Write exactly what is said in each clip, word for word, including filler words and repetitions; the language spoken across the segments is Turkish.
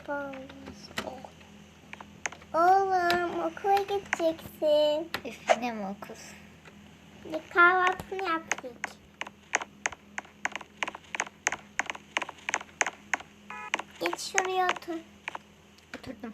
Oğlum okula gideceksin. Üf, ne mi okul? Bir kahvaltını yaptık. Geç şuraya otur. Oturdum.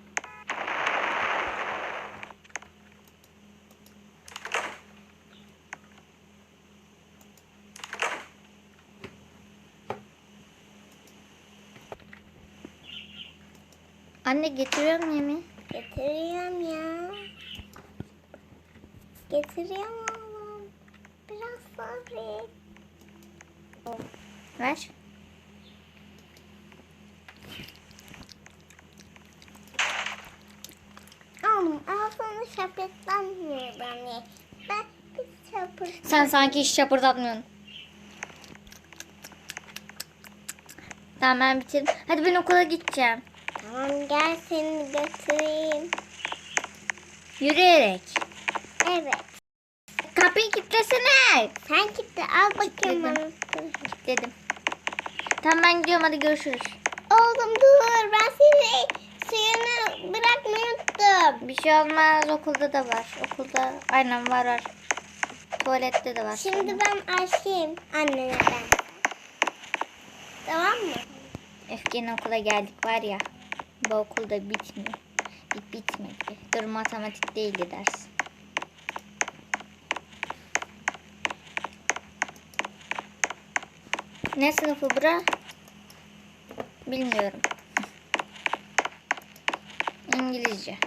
Anne getiriyorum yemeği. Getiriyorum ya. Getiriyorum oğlum. Biraz sabret. Ver. Oğlum ağzını şapırtlanmıyor beni. Ben bir şapırtlanmıyorum. Sen sanki hiç şapırdatmıyorsun. Tamam ben bitirdim. Hadi ben okula gideceğim. Tamam gel seni götüreyim. Yürüyerek. Evet. Kapıyı kilitlesene. Sen gitti al bakayım Kilitledim. bana. Kilitledim. Tamam ben gidiyorum, hadi görüşürüz. Oğlum dur ben seni suyunu bırakmayı unuttum. Bir şey olmaz, okulda da var. Okulda aynen var var. Tuvalette de var. Şimdi ben açayım annene ben. Tamam mı? Öfkenin okula geldik var ya. Bu okulda bitmiyor. Bit bitmedi. Dur matematik değildi ders. Ne sınıfı bura? Bilmiyorum. İngilizce.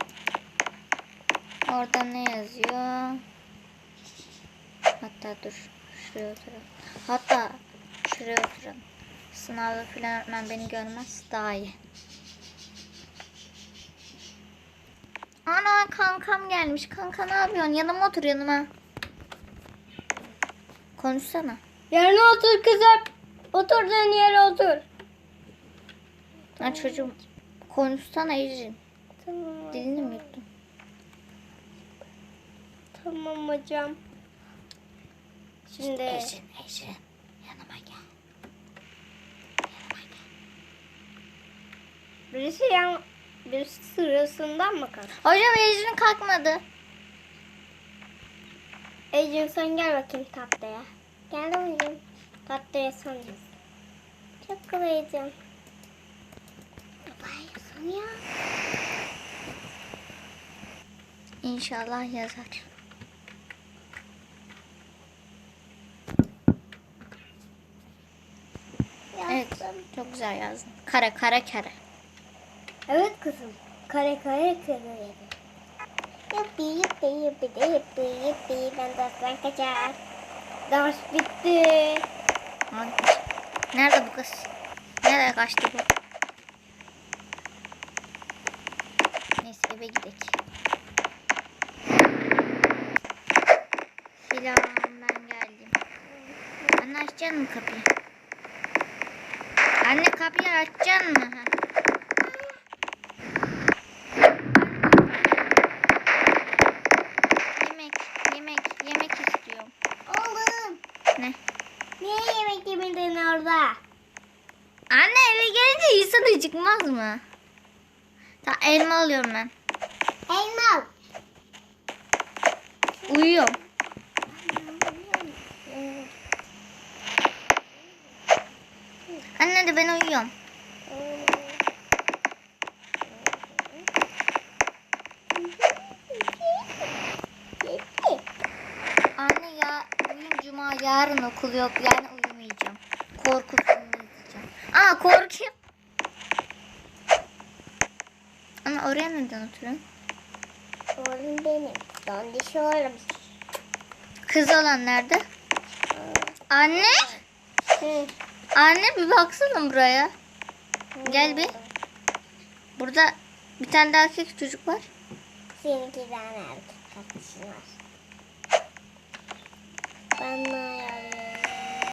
Orada ne yazıyor? Hatta dur. Şuraya oturalım. Hatta şuraya oturalım. Sınavda filan öğretmen beni görmez. Daha iyi. Ana kankam gelmiş. Kanka ne yapıyorsun? Yanıma otur, yanıma. Konuşsana. Yerine otur kızım. Oturduğun yere otur. Ha çocuğum. Konuşsana Ecrin. Tamam. Dilini mi yuttun? Tamam hocam. Şimdi Ecrin, Ecrin. Yanıma gel. Yanıma gel. birisi yan birisi sırasından mı kalktı? Hocam Ecrin kalkmadı. Ecin sen gel bakayım tahtaya. Gel oğlum. Tahtaya sen yaz. Çok kolaycığım. Babaya son ya. İnşallah yazar. Evet, Yazdım. çok güzel yazdın. Kare kare kare. Evet kızım. Kare kare kare. Yuppi yuppi yuppi de yuppi yuppi. Ben dersten kaçar. Ders bitti. Hadi. Nerede bu kız? Nereye kaçtı bu? Neyse eve gidelim. Selam, ben geldim. Anne açacaksın mı kapıyı? Anne kapıyı açacaksın mı? Ha. Yemek, yemek, yemek istiyorum. Oğlum. Ne? Niye yemek yemedin orada? Anne eve gelince insan acıkmaz mı? Tamam elma alıyorum ben. Elma. Uyuyorum. Anne de ben uyuyorum. Anne ya bugün cuma, yarın okul yok, yani uyumayacağım. Korku filmi izleyeceğim. Aa korkuyorum. Ama oraya neden oturuyorsun? Oğlum benim. Dondiş oğlum. Kız olan nerede? Anne? Hı. Anne bir baksana buraya. Gel bir. Burada bir tane daha erkek çocuk var. Senin iki tane erkek kardeşin var. Ben ne ayarlayayım?